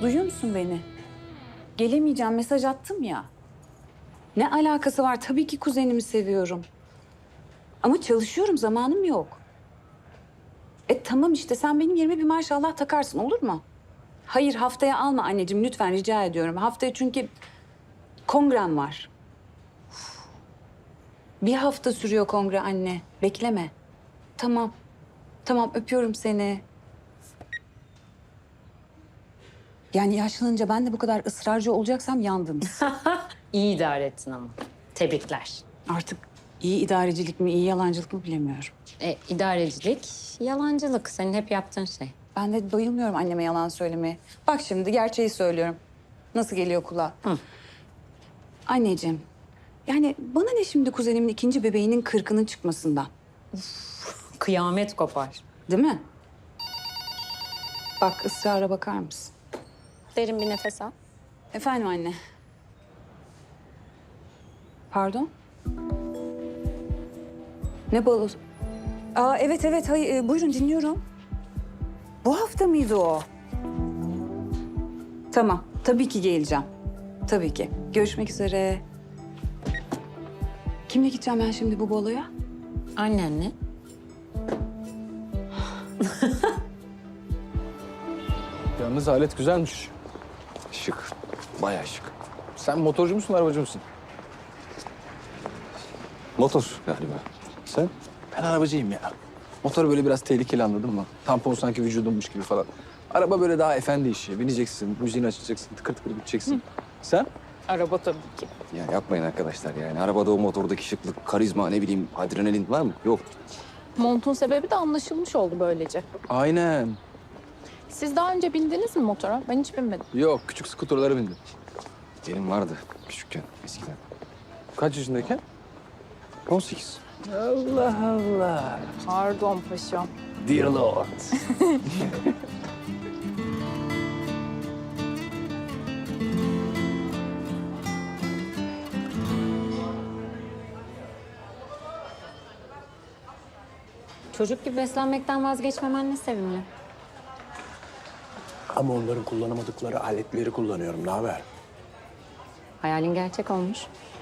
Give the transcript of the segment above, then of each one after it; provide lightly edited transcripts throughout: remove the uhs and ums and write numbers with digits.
Duyuyor musun beni? Gelemeyeceğim, mesaj attım ya. Ne alakası var? Tabii ki kuzenimi seviyorum. Ama çalışıyorum, zamanım yok. Tamam işte, sen benim yerime bir maşallah takarsın, olur mu? Hayır, haftaya alma anneciğim, lütfen rica ediyorum. Haftaya çünkü kongrem var. Bir hafta sürüyor kongre anne. Bekleme. Tamam. Tamam, öpüyorum seni. Yani yaşlanınca ben de bu kadar ısrarcı olacaksam yandınız. İyi idare ettin ama. Tebrikler. Artık iyi idarecilik mi, iyi yalancılık mı bilemiyorum. İdarecilik, yalancılık. Senin hep yaptığın şey. Ben de bayılmıyorum anneme yalan söylemeye. Bak şimdi gerçeği söylüyorum. Nasıl geliyor kulağa? Hı. Anneciğim, yani bana ne şimdi kuzenimin ikinci bebeğinin 40'ının çıkmasından? Kıyamet kopar. Değil mi? Bak ısrara bakar mısın? Derin bir nefes al. Efendim anne. Pardon? Ne balosu? Evet evet, hayır, buyurun dinliyorum. Bu hafta mıydı o? Tamam, tabii ki geleceğim. Tabii ki. Görüşmek üzere. Kimle gideceğim ben şimdi bu baloya? Annenle. Yalnız alet güzelmiş. Şık. Bayağı şık. Sen motorcu musun, arabacı mısın? Motor galiba. Sen? Ben arabacıyım ya. Motor böyle biraz tehlikeli, anladın mı? Tampon sanki vücudunmuş gibi falan. Araba böyle daha efendi işi. Bineceksin, müziğini açacaksın, tıkır tıkır gideceksin. Sen? Araba tabii ki. Ya yapmayın arkadaşlar yani. Arabada o motordaki şıklık, karizma, ne bileyim adrenalin var mı? Yok. Montun sebebi de anlaşılmış oldu böylece. Aynen. Siz daha önce bindiniz mi motora? Ben hiç binmedim. Yok, küçük skuterlara bindim. Benim vardı küçükken, eskiden. Kaç yaşındayken? 18. Allah Allah. Pardon paşam. Dear Lord. Çocuk gibi beslenmekten vazgeçmemen ne sevimli. Ama onların kullanamadıkları aletleri kullanıyorum. Ne haber? Hayalin gerçek olmuş.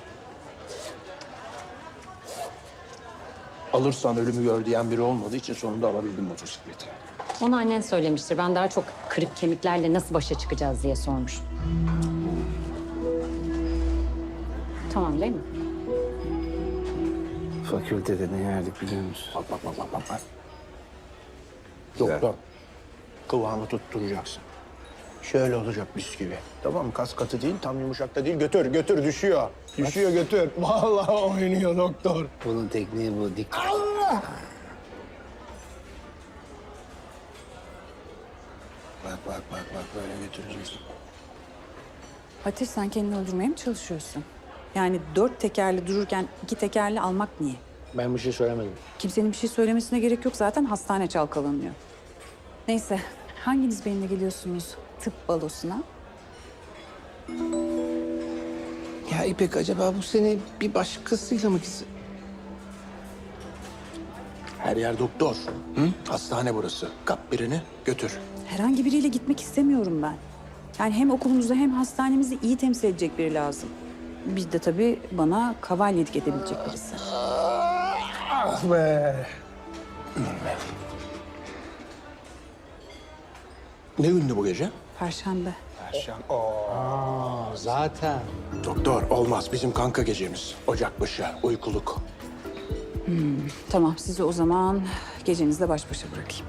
Alırsan ölümü gör diyen biri olmadığı için sonunda alabildim motosikleti. Onu annen söylemiştir. Ben daha çok kırık kemiklerle nasıl başa çıkacağız diye sormuştum. Tamam değil mi? Fakültede ne yerdik biliyor musun? Bak. Doktor, kıvamı tutturacaksın. Şöyle olacak bisküvi. Tamam mı? Kas katı değil, tam yumuşak da değil. Götür, düşüyor. Düşüyor, götür. Vallahi oynuyor doktor. Bunun tekniği bu. Dik. Bak. Böyle götüreceksin. Ateş, sen kendini öldürmeye mi çalışıyorsun? Yani 4 tekerli dururken 2 tekerli almak niye? Ben bir şey söylemedim. Kimsenin bir şey söylemesine gerek yok, zaten hastane çalkalanıyor. Neyse, hanginiz benimle geliyorsunuz tıp balosuna? Ya İpek, acaba bu sene bir başkasıyla mı gitsin? Her yer doktor. Hı? Hastane burası. Kap birini, götür. Herhangi biriyle gitmek istemiyorum ben. Yani hem okulumuzu hem hastanemizi iyi temsil edecek biri lazım. Bir de tabii bana kavalyelik edebilecek birisi. Ah be. Ne gündü bu gece? Perşembe. Zaten. Doktor, olmaz. Bizim kanka gecemiz. Ocakbaşı, uykuluk. Tamam, sizi o zaman gecenizle baş başa bırakayım.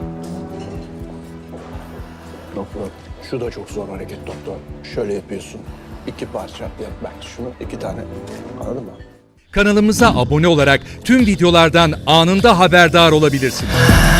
Doktor, şu da çok zor hareket doktor. Şöyle yapıyorsun. 2 parça yap belki şunu, 2 tane. Anladın mı? Kanalımıza abone olarak tüm videolardan anında haberdar olabilirsiniz.